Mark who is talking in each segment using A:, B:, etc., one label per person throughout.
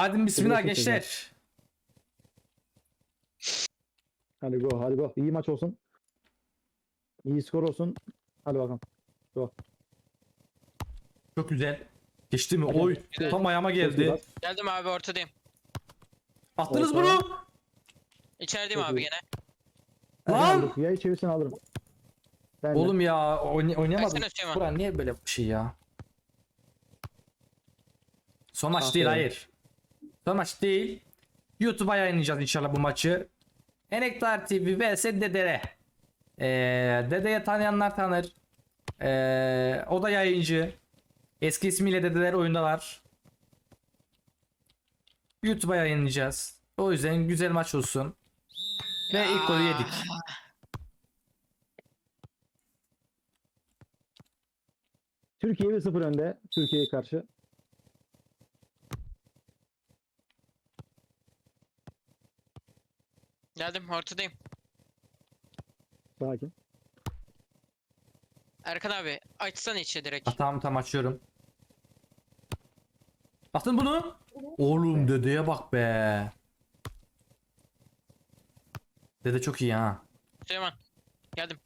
A: Hadi bismillah gençler.
B: Hadi go, hadi go. İyi maç olsun. İyi skor olsun. Hadi bakalım. Go.
A: Çok güzel. Geçti mi?
B: Hadi.
A: Oy.
C: Güzel.
A: Tam ayağıma
B: Çok iyi
A: geldi.
B: bas.
C: Geldim abi, ortadayım.
A: Attınız
B: Orta.
A: bunu.
C: İçerideyim
B: Çok
C: abi
B: iyi.
C: gene.
B: Erkan
A: Lan.
B: aldık. Yayı çevirsen alırım. Ben de.
A: Oğlum ya oynayamadım.
C: Baksana Süleyman.
A: Buran niye böyle bir şey ya? Son maç değil,
B: Aferin.
A: hayır. Son maç değil. YouTube'a yayınlayacağız inşallah bu maçı. Enektar TV vs Dedere. Dede'ye tanıyanlar tanır. O da yayıncı. Eski ismiyle Dedeler oyundalar. YouTube'a yayınlayacağız. O yüzden güzel maç olsun. Ve ilk golü yedik.
B: Türkiye 1-0 önde. Türkiye'ye karşı.
C: Geldim, ortadayım.
B: Sakin.
C: Erkan abi açsana içe direkt.
A: Tamam açıyorum. Attın bunu. Oğlum dedeye bak be. Dede çok iyi ha.
C: Süleyman. Geldim.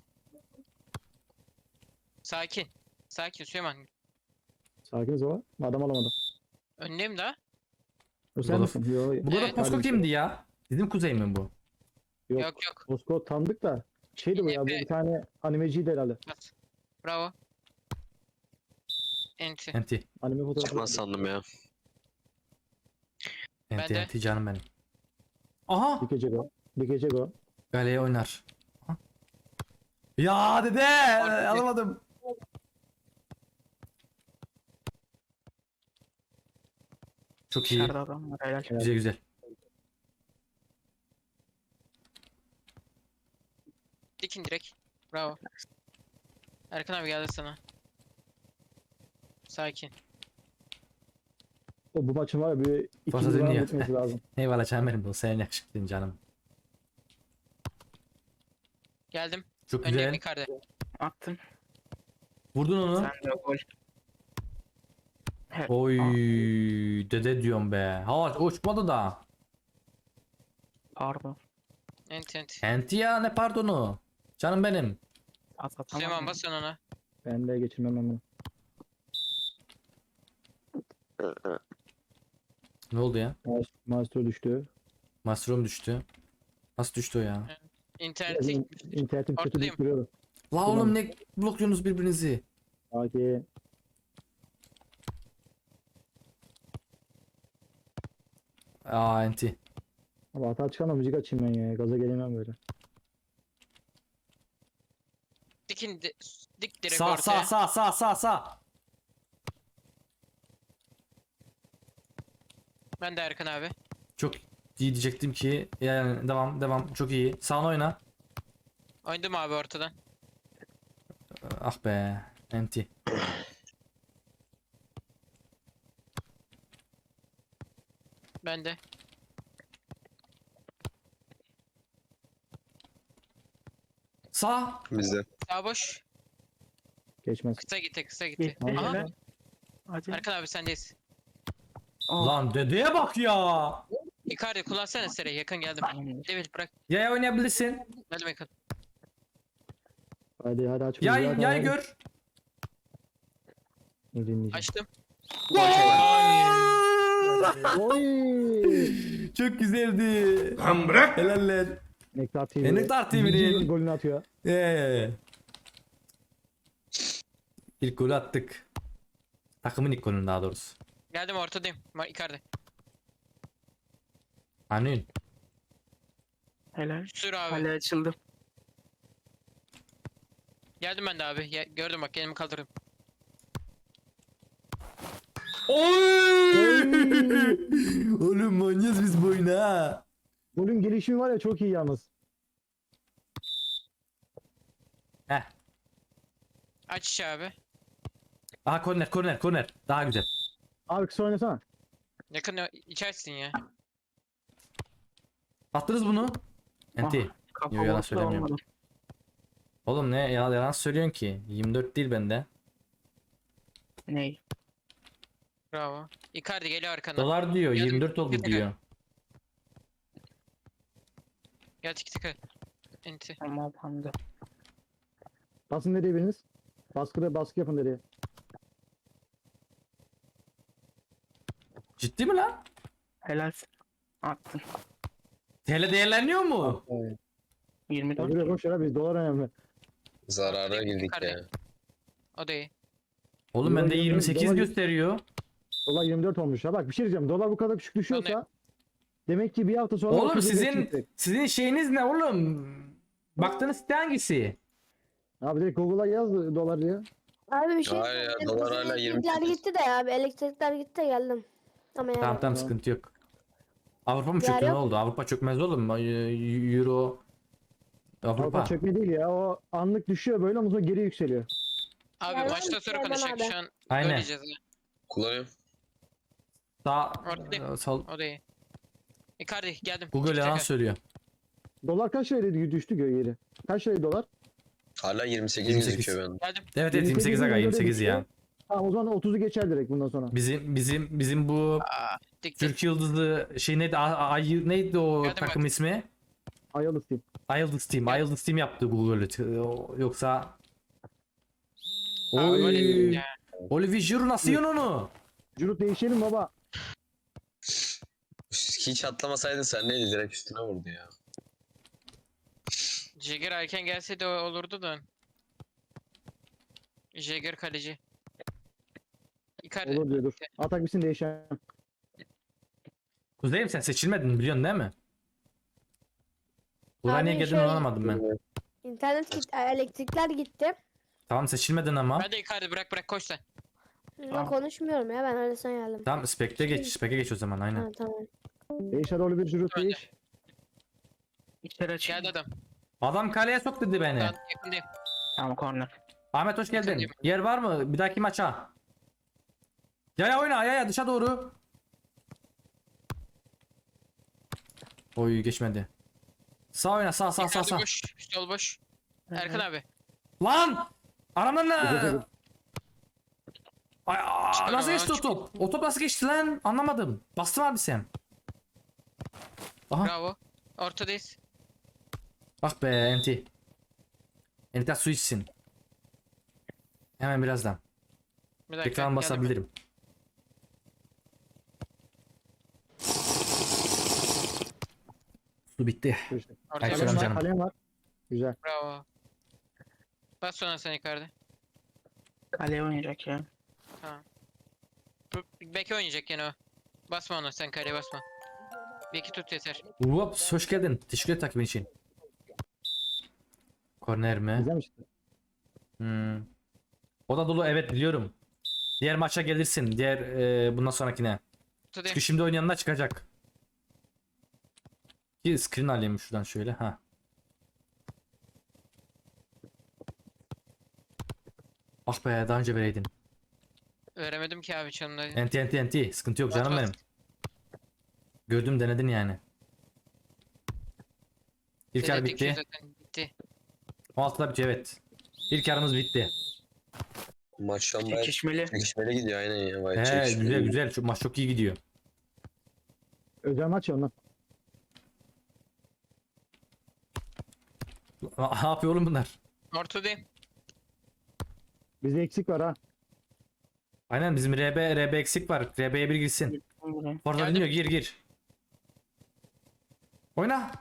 C: Sakin. Sakin Süleyman.
B: Sakiniz o. Adam alamadı.
C: Önündeyim daha.
B: O sen
A: Golf.
B: misin? Yo,
A: Bu kadar
C: Evet.
A: Posko kimdi ya? Bizim kuzey mi bu?
B: Yok.
C: Yok yok.
B: Moskova tanıdık da. Şeydi bu ya. Bu bir tane animeciydi herhalde.
C: Bas. Bravo. Enti.
A: Enti.
B: Anime fotoğrafı.
D: Çıkmaz sandım ya.
A: Enti
C: de.
A: enti canım benim. Aha.
B: Bir gece go. Bir gece go.
A: Galeye oynar. Aha. Ya dede alamadım. Çok iyi.
E: Dışarıda adam var helal.
A: Güzel güzel.
C: Dikin direkt. Bravo. Erkan abi geldi sana. Sakin.
B: O bu maçın var ya bir iki
A: Fazla
B: yıl daha
A: dinliyor.
B: bitmesi lazım.
A: Eyvallah canım benim bu. Senin yakışıklın canım.
C: Geldim.
A: Çok
C: Öndeyim
A: güzel.
C: yukarıda.
E: Attın.
A: Vurdun onu.
E: Sen de gol. Evet.
A: Oy dede diyorum be. Hava uçmadı da.
E: Pardon.
C: Enti enti.
A: Enti ya ne pardonu. Canım benim.
E: At
C: Süleyman
E: atamadım.
C: bas sen ona.
B: Ben de geçirmem ben bunu.
A: Ne oldu ya?
B: Maestro düştü.
A: Mushroom düştü. Nasıl düştü o ya?
C: İnternete
B: Biraz
C: gitmiştir.
B: İnternetim kötü
C: Ortadayım.
B: deyip duruyordu.
A: La oğlum ne blokluyorsunuz birbirinizi?
B: Sakin.
A: Aa enti.
B: Ama hata çıkarma müzik açayım ben ya. Gaza gelemem böyle.
C: Dikin dik direkt
A: Sağ
C: ortaya.
A: sağ.
C: Ben de Erkan abi.
A: Çok iyi diyecektim ki. Yani devam çok iyi. Sağına oyna.
C: Oynadım abi ortadan.
A: Ah be. Enti.
C: Ben de.
A: Sağ.
D: Bizde.
C: Sağ boş.
B: Geçmez.
C: Kısa gitti kısa gitti.
E: Gitti.
C: Aha.
E: Helal. Hadi.
C: Erkan abi sendeyiz.
E: Oh.
A: Lan dedeye bak ya.
C: Icardi kullansana Sere, yakın geldim.
E: Tamam.
C: Evet bırak.
A: Yaya oynayabilirsin.
C: Geldim yakın.
B: Hadi aç.
A: Yay gör.
B: Ne dinleyeceğim.
C: Açtım.
B: Oy!
A: Çok güzeldi.
D: Lan bırak.
A: Helaller.
B: Nektar TV.
A: Nektar TV'nin
B: 100. golünü atıyor.
A: İlk golü attık. Takımın ilk golünü daha doğrusu.
C: Geldim ortadayım. Icardi.
A: Anın.
E: Helal.
C: Sür abi.
E: Hala açıldım.
C: Geldim ben de abi. Gördüm bak, elimi kaldırdım.
A: Oy! Oğlum manyaz biz bu oyunu ha.
B: Golün gelişimi var ya çok iyi yalnız.
A: Heh.
C: Aç içi abi.
A: Aha korner. Daha güzel.
B: Abi kısa oynasana.
C: Yakın içersin ya.
A: Attınız bunu. Enti.
E: Kafa
A: Yo, yalan
E: vurdu da
A: söylemiyorum.
E: olmadı.
A: Oğlum ne yalan söylüyorsun ki? 24 değil bende.
E: Ney?
C: Bravo. Icardi geliyor arkandan.
A: Dolar diyor.
C: Geldim.
A: 24 oldu
C: Tiki taka.
A: diyor.
C: Gel tiki taka. Enti.
E: Tamam hamdi.
B: Basın nereye biriniz? Baskı yapın nereye?
A: Ciddi mi lan?
E: Helal. Attın.
A: TL değerleniyor mu?
B: Evet.
E: 24.
B: Buraya boş ver, biz dolar önemli.
D: Zarara girdik
C: Icardi.
D: ya.
C: O da iyi.
A: Oğlum bende
B: Dolar
A: 28
B: dolar-
A: gösteriyor.
B: Dolar 24 olmuş ya. Bak bir şey diyeceğim. Dolar bu kadar küçük düşüyorsa demek ki bir hafta sonra
A: Oğlum
B: 30 liraya
A: sizin
B: çıkacak.
A: şeyiniz ne oğlum? Baktığınız site hangisi?
B: Abi direkt Google'a yaz dolar diye.
F: Abi bir şey
D: Hayır ya,
F: söyleyeyim.
D: dolar
F: Bizim
D: hala
F: elektrikler
D: 28.
F: gitti de abi. Elektrikler gitti de geldim. Ama yani.
A: Tamam
B: Tamam.
A: sıkıntı yok. Avrupa mı
F: Ya
A: çöktü ne
F: yok.
A: oldu? Avrupa çökmez oğlum. Euro. Avrupa.
B: Avrupa çökme değil ya. O anlık düşüyor böyle ondan sonra geri yükseliyor.
C: Abi
F: Gel lan,
C: maçta sonra
F: gel lan
C: konuşacak
F: abi.
C: şu an.
A: Aynen.
C: Oynayacağız ya.
D: Kullanıyorum.
A: Sağ
C: Orada.
A: sol.
C: O da iyi. Icardi geldim.
A: Google
C: Tiki
A: yalan
C: taka.
A: söylüyor.
B: Dolar kaç liraydı düştü geri? Kaç liraydı dolar?
D: Hala 28,
A: 28.
D: gözüküyor bende.
C: Geldim.
A: Evet 28 aga 28 ya.
B: Tamam o zaman 30'u geçer direkt bundan sonra.
A: Bizim bu
C: Aa, dik dik.
A: Türk Yıldızı şey neydi? Ay neydi o
C: Geldim
A: takım
C: bak.
A: ismi?
B: Ayıldız diyeyim.
A: Ayıldız Team. Ayıldız Team yaptı Google'ı. Yoksa
C: Abi
A: Oy.
C: böyle dedim ya.
A: Olivier Giroud nasıl yiyorsun onu?
B: Cürut değişelim baba.
D: Hiç atlamasaydın sen neydi, direkt üstüne vurdu ya.
C: Jagger erken gelseydi olurdu da. Jagger kaleci. Icardi.
B: Olur diyor dur. Atak bitsin değişen.
A: Kuzeyim sen seçilmedin biliyorsun değil mi? Buraya
F: Abi
A: niye geldin
F: şöyle-
A: anlamadım ben.
F: İnternet gitti. Elektrikler gitti.
A: Tamam seçilmedin ama.
C: Hadi Icardi bırak koş sen.
F: Ben konuşmuyorum ya. Ben öyle sen geldim.
A: Tamam spekte geç. Spek'e geç o zaman aynen.
F: Ha, tamam.
B: Değişer rolü bir Cürut
C: Öyle.
B: değiş.
E: İçeri açayım.
C: Geldi adam.
A: Adam kaleye sok dedi beni.
C: Ben yakındayım.
E: Tamam corner.
A: Ahmet hoş geldin.
C: Yakındayım.
A: Yer var mı? Bir dahaki maça. Ya oyna ya dışa doğru. Oy geçmedi. Sağ oyna sağ sağ sağ
C: Icardi
A: sağ.
C: boş. Sol boş. Erkan abi.
A: Lan! Aramdan ne?
B: Güzel.
A: Ay,
C: Çıkar
A: nasıl
C: ama,
A: geçti o
C: çıkar.
A: top? O top nasıl geçti lan? Anlamadım. Bastım abi sen. Aha.
C: Bravo. Ortadayız.
A: Bak be enti. Enti su içsin. Hemen birazdan.
C: Bir dakika.
A: Ekran
C: geldim.
A: basabilirim. Su bitti.
B: İşte.
C: Ortaya
A: Ay, selam
C: boş.
B: Kalem var,
A: canım.
B: kalem var. Güzel.
C: Bravo. Bas sonra sen Icardi.
E: Kaleye oynayacak ya.
C: Beke oynayacak gene o. Basma onu sen kaleye basma. Beki tut yeter.
A: Ups hoş geldin. Teşekkür ederim takibin için. Korner mi?
B: Güzelmiş.
A: Hmm. O da dolu evet biliyorum. Diğer maça gelirsin. Diğer bundan sonrakine.
C: Ortadayım.
A: Çünkü şimdi oynayanlar çıkacak. Bir screen alayım şuradan şöyle. Ha. Ah be daha önce vereydin.
C: Veremedim ki abi çalımda.
A: Enti. Sıkıntı yok
C: Bas,
A: canım
C: bas.
A: benim. Gördüm denedin yani. İlk yarı
C: Denedik
A: bitti.
C: zaten, bitti.
A: 16'da bitiyor evet. İlk yarımız bitti.
D: Maç şu an bayağı
E: Çekişmeli.
D: çekişmeli gidiyor aynen ya. Bayağı
A: He
D: çekişmeli.
A: güzel. Şu maç çok iyi gidiyor.
B: Özel maç ya ondan.
A: Ne yapıyor oğlum bunlar?
C: Ortadayım.
B: Bizde eksik var ha.
A: Aynen bizim RB eksik var. RB'ye bir girsin. Forza
C: Geldim.
A: dinliyor gir. Oyna.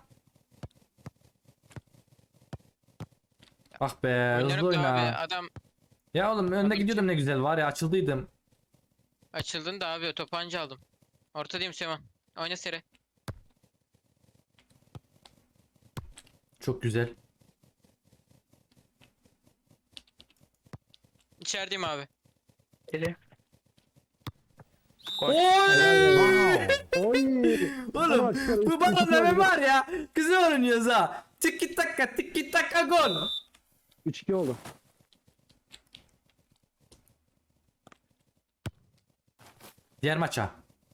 A: Ah be hızlı
C: Oynarım da abi.
A: oyna.
C: Adam
A: Ya oğlum önde gidiyordum ne güzel var ya açıldıydım.
C: açıldın da abi topu anca aldım. Ortadayım Süleyman. Oyna seri.
A: Çok güzel.
C: İçerideyim abi.
E: Deli.
A: Oy!
B: Oy.
A: Oğlum bu babaların var ya güzel oynuyoruz ha. Tiki taka gol.
B: 3-2 oldu.
A: Diğer maça.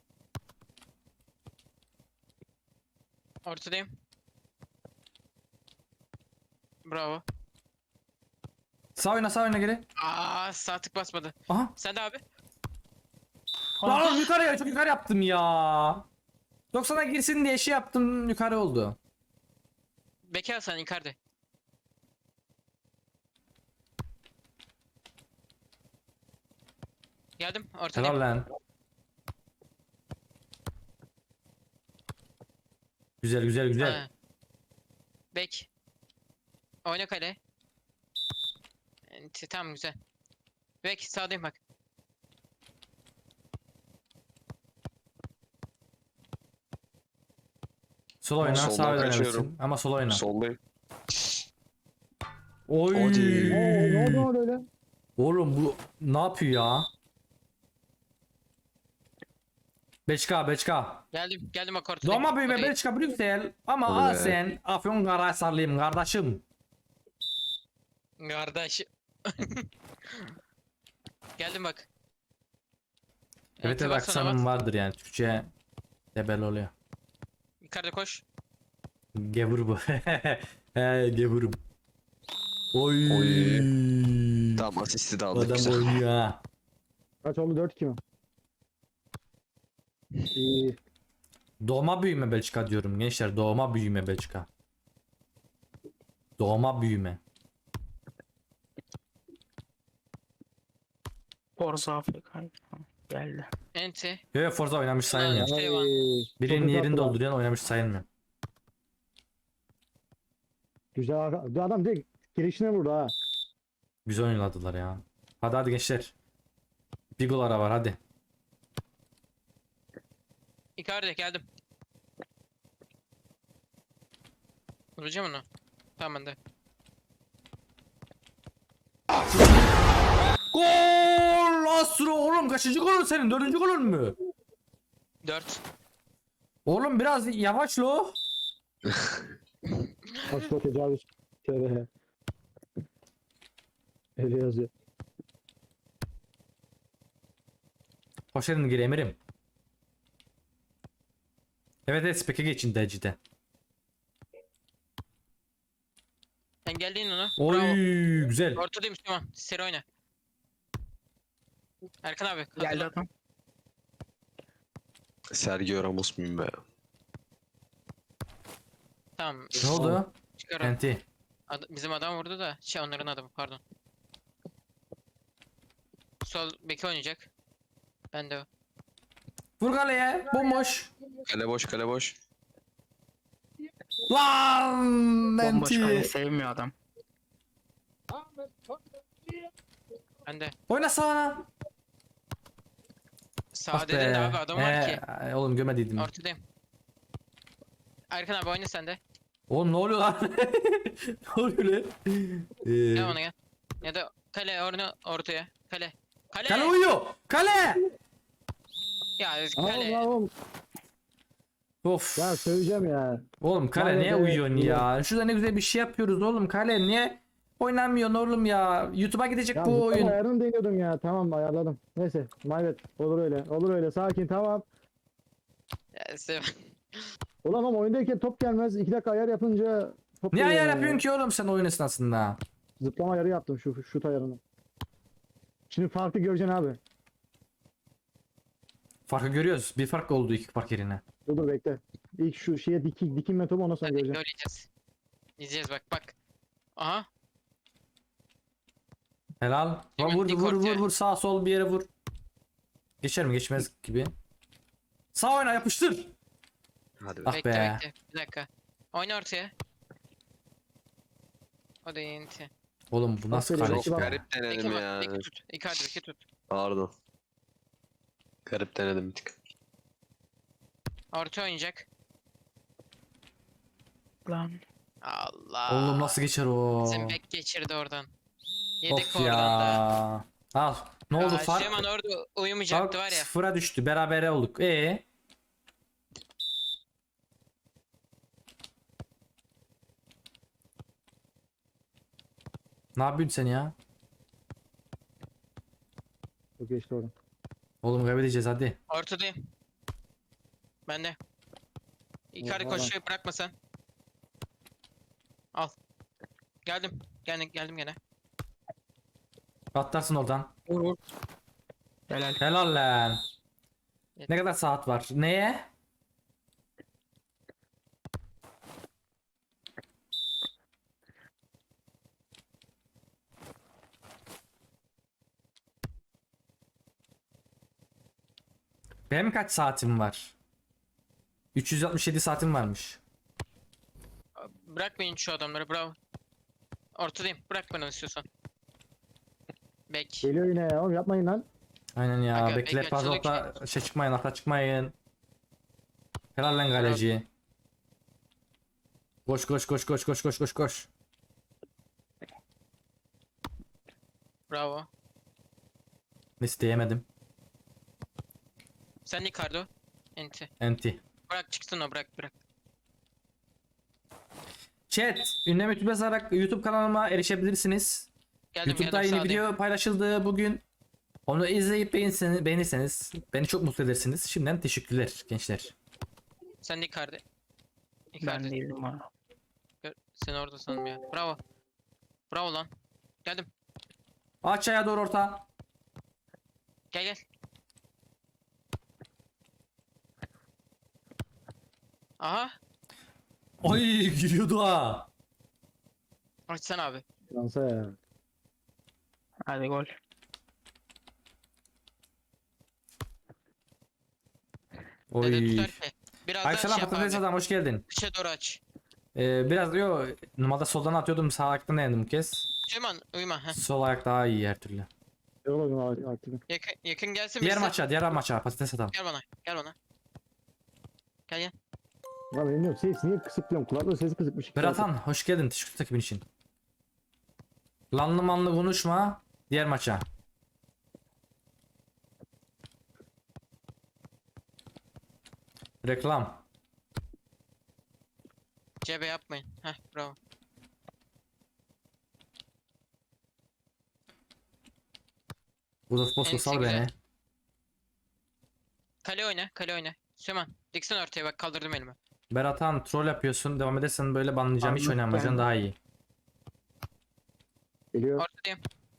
C: Ortadayım. Bravo.
A: Sağ oyna geri.
C: Sağ tık basmadı.
A: Aha.
C: Sen de abi.
A: Lan oğlum yukarı çok yukarı yaptım ya. 90'a girsin diye şey yaptım yukarı oldu.
C: Bekar sen Icardi. Geldim ortadayım.
A: Helal lan. Güzel güzel güzel.
C: Ha. Bek. Oyna kale. Tamam güzel. Bek sağdayım bak.
A: Sol oyna
D: Soldan
A: sağ oynamışsın
D: kaçıyorum.
A: ama sol oyna.
D: Soldayım.
A: Oy.
D: Hadi.
B: Ne oldu öyle?
A: Oğlum bu ne yapıyor ya? Beçka Beçka.
C: Geldim bak ortadayım.
A: Doğma büyüme
C: Odayı-
A: Belçika Brüksel ama
D: Hadi be.
A: Asen Afyonkarahisarlıyım kardeşim.
C: Kardeş. Geldim bak.
A: Evet evet
C: Enti baksana
A: aksanım
C: bak.
A: vardır yani Türkçe debel oluyor.
C: Yukarıda koş.
A: Gevur bu. He gevurum. Oy.
D: Tamam asisti de aldık
A: Adam
D: güzel.
A: oynuyor ha.
B: Kaç oldu 4-2 mi? İyi.
A: Doğma büyüme Belçika diyorum gençler. Doğma büyüme Belçika. Doğma büyüme.
E: Forza Afrika. Geldi.
C: Enti.
A: Yo Forza oynamış sayılmıyor.
C: Şey var.
B: Ay,
A: Birinin
B: çok
A: yerini
B: uzattılar.
A: dolduruyan oynamış sayılmıyor.
B: Güzel adam direkt girişine vurdu ha.
A: Güzel oynadılar ya. Hadi hadi gençler. Bir gol ara var hadi.
C: Icardi geldim. Vuracağım onu. Tamam ben de.
A: Gol! Astro oğlum kaçıncı golün senin? Dördüncü golün mü?
C: 4.
A: Oğlum biraz yavaş lo.
B: Başta tecavüz. Tövbe. Öyle yazıyor.
A: Hoş geldin geri emirim. Evet evet spek'e geçin decide.
C: Engelleyin onu.
A: Oy
C: Bravo.
A: güzel.
C: Ortadayım Süleyman. Seri oyna. Erkan abi.
E: Geldi
C: hazırlan.
E: adam.
D: Sergio Ramos muyum be?
C: Tamam.
A: Ne oldu?
C: Çıkar.
A: Enti.
C: Bizim adam vurdu da. Şey onların adamı pardon. Sol beki oynayacak. Ben de o.
A: Vur kaleye. Bomboş.
D: Kale boş kale boş.
A: Lan
E: Bomboş kale
A: Enti.
E: sevmiyor adam.
C: Ben de.
A: Oyna sağına.
C: Sağ
A: Ah
C: dedin de abi adam var ki.
A: Oğlum gömediydim.
C: Ortadayım. Erkan abi oyna sen de.
A: Oğlum ne oluyor lan? Ne oluyor lan?
C: Gel ona gel. Ya da kale ortaya. Kale. Kale.
A: Kale uyuyor. Kale.
C: Ya
B: Ama
C: kale.
B: oğlum
A: Of.
B: ya söyleyeceğim ya.
A: Oğlum kale
B: Vay be,
A: niye uyuyorsun
B: iyi.
A: ya? Şurada ne güzel bir şey yapıyoruz oğlum. Kale niye oynamıyorsun oğlum ya? YouTube'a gidecek
B: Ya
A: bu
B: bu
A: oyun.
B: ayarını deniyordum ya. Tamam ayarladım. Neyse. Mayvet. Olur öyle. Olur öyle. Sakin tamam.
C: Ya, sev-
B: Ulan ama oyundayken top gelmez. 2 dakika ayar yapınca top
A: Niye
B: geliyor
A: ayar
B: ya.
A: yapıyorsun ki oğlum sen oyun esnasında?
B: Zıplama ayarı yaptım şu şut ayarını. Şimdi farkı göreceksin abi.
A: Farkı görüyoruz. Bir fark oldu iki fark yerine.
B: Dur bekle. İlk şu şeye dikinme topu ondan sonra
C: Hadi
B: göreceğim.
C: göreceğiz. İzleyeceğiz bak. Aha.
A: Helal.
C: Hemen
A: Vur
C: dik
A: vur vur
C: ortaya.
A: vur sağ sol bir yere vur. Geçer mi geçmez gibi. Sağ oyna yapıştır.
D: Hadi be.
A: Ah
C: Bekle
A: be.
C: bekle. Bir dakika. Oyna ortaya. O da enti.
A: Oğlum bu nasıl
B: Aferin.
A: kale
D: Çok
B: Bak.
A: ya?
D: garip
C: Beki
D: denedim
C: bak.
D: ya.
C: Beki tut. Icardi beki tut.
D: Pardon. Garip denedim bir tık.
C: Orta oynayacak.
E: Lan.
C: Allah.
A: Oğlum nasıl geçer o?
C: Bizim bek geçirdi oradan. Yedik
A: Of
C: oradan da.
A: ya. Al. Ne oldu
C: Ya,
A: fark?
C: Süleyman orada
A: Fark
C: uyumayacaktı var ya.
A: sıfıra düştü. Berabere olduk. Ne yapıyorsun sen ya?
B: Çok geçti oradan.
A: Oğlum kaybedeceğiz hadi.
C: Ortadayım. Ben de. Icardi
B: Oha.
C: koşuyor bırakma sen. Al. Geldim. Geldim gene.
A: Atlarsın oradan.
E: Vur vur. Helal.
A: Helal lan. Ne kadar saat var? Neye? Benim kaç saatim var? 367 saatim varmış.
C: Bırak beni şu adamları, bravo. Ortadayım, bırak beni istiyorsan. Bek.
B: Geliyor yine ya. Oğlum yapmayın lan.
A: Aynen ya.
C: Aga,
A: Bekle
C: bekle,
A: fazla
C: çoluk
A: orta şey çıkmayın, hata çıkmayın. Helal lan kaleci. Koş koş koş koş koş koş koş koş.
C: Bravo.
A: Messi yemedim.
C: Sen Ricardo. Enti.
A: Enti.
C: Bırak çıksın o, bırak.
A: Chat, ünlem YouTube yazarak YouTube kanalıma erişebilirsiniz.
C: Geldim
A: YouTube'da
C: geldim,
A: yeni
C: sağdayım.
A: video paylaşıldı bugün. Onu izleyip beğenirseniz beni çok mutlu edersiniz. Şimdiden teşekkürler gençler.
C: Sen Ricardo.
E: Ben
C: Ricardo.
E: değildim ha.
C: Sen orada sanırım ya. Bravo. Bravo lan. Geldim.
A: Aşağıya doğru orta.
C: Gel. Aha.
A: Ay giriyordu ha.
C: Açsana abi.
B: Lansa ya.
E: Hadi gol.
C: Dede
A: Oy.
C: tutar ki. Biraz daha
A: Ayşelan
C: şey yap
A: patates
C: abi.
A: adam hoş geldin.
C: Dışa doğru aç.
A: Biraz yo normalde soldan atıyordum, sağ ayaktan denedim bu kez.
C: Süleyman uyuma. Heh.
A: Sol ayak daha iyi her türlü.
B: Yok oğlum aktifim.
C: Yakın gelsin
A: Diğer
C: birisi.
A: diğer maça patates adam.
C: Gel bana. Gel.
B: Ya benim yok. Ses niye kısık diyorum. Kulaklığı sesi kısıkmış.
A: Beratan hoş geldin. Teşekkür takibin için. Lanlı manlı konuşma. Diğer maça. Reklam.
C: Cebe yapmayın. Heh, bravo.
A: Rudolf Bosco sal
C: güzel.
A: beni.
C: Kale oyna. Süleyman. Diksen ortaya bak, kaldırdım elimi.
A: Beratan troll yapıyorsun. Devam edersen böyle banlayacağım. Hiç
E: Anladım.
A: oynamayacaksın, daha iyi.
B: Geliyor.
C: Ortadayım.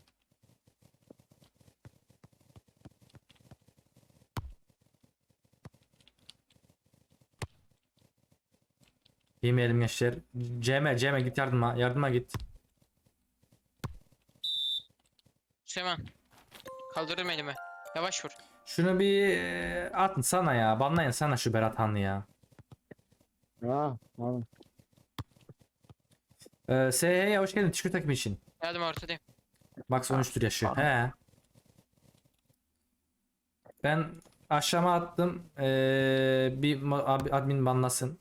A: Yemeyelim gençler. Cem git yardıma. Yardıma git.
C: Süleyman. Kaldırdım elimi. Yavaş vur.
A: Şunu bir atın sana ya. Banlayın sana şu Beratan'ı ya.
B: Ha, tamam.
A: SH'ye hoş geldin. Teşekkür takibin için.
C: Geldim ortadayım.
A: Max 13'tür yaşı.
E: Tamam.
A: He. Ben aşağıma attım. Bir admin banlasın.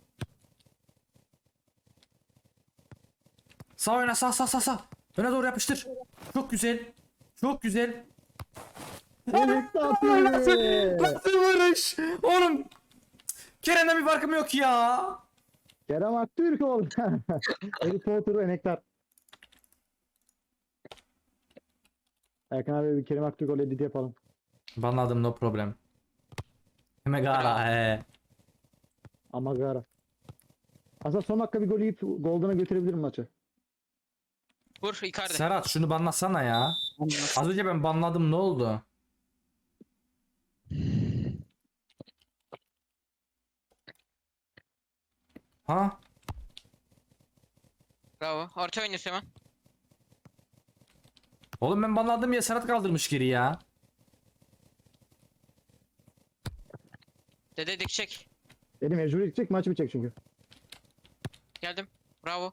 A: Sağ oyna, sağ. Öne doğru yapıştır. Çok güzel. Çok güzel.
B: Evet atıyor.
A: Nasıl vuruş? Oğlum. Kerem'den bir farkım yok ya.
B: Kerem Aktürk oldu. Harry Potter ve Nektar. Erkan abi bir Kerem Aktürk edit yapalım.
A: Banladım, no problem. Megara he.
B: Ama gara. Aslında son dakika bir gol yiyip Golden'a götürebilirim maçı.
C: Vur Icardi.
A: Serhat şunu banlasana ya. Az önce ben banladım, ne oldu? Ha?
C: Bravo. Orta oyna Süleyman.
A: Oğlum ben banladım ya, Serhat kaldırmış geri ya.
C: Dede dikecek.
B: Dedim mecbur gidecek maç bitecek çünkü.
C: Geldim. Bravo.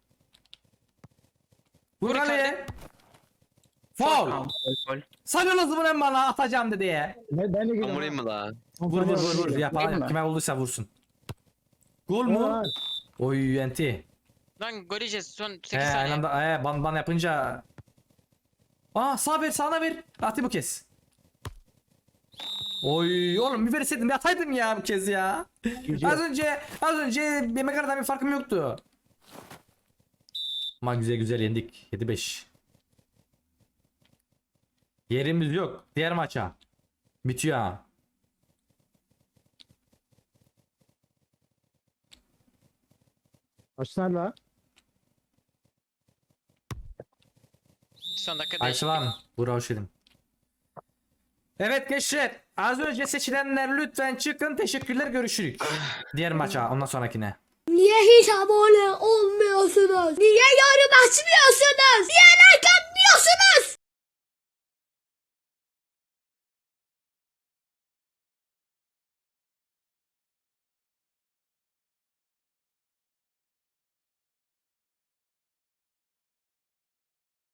A: Vur
C: Vur
A: kaleye.
E: Tamam,
A: Foul.
E: gol.
A: Sanıyorsunuz bunu bana atacağım dedi ya.
B: Ben de
D: Ben vurayım mı la?
A: Vur.
E: Değil
A: Yapar,
E: mi?
A: kime olduysa vursun. Gol mu? Oy enti.
C: Lan gol yiyeceğiz. Son 8
A: He aynı
C: saniye.
A: anda ban yapınca. Aa sağına ver. Atı bu kez. Oy oğlum bir verseydim, bir ataydım ya bu kez ya. Az önce yemek aradan bir farkım yoktu. Ama güzel yendik. 7-5. Yerimiz yok. Diğer maça. Bitiyor ha.
B: Açsana la.
C: Son dakika değişiklik.
A: Ayşelan. Burak hoş geldin. Evet gençler. Az önce seçilenler lütfen çıkın. Teşekkürler, görüşürüz. Diğer maça, ondan sonrakine.
G: Niye hiç abone olmuyorsunuz? Niye yorum açmıyorsunuz? Niye like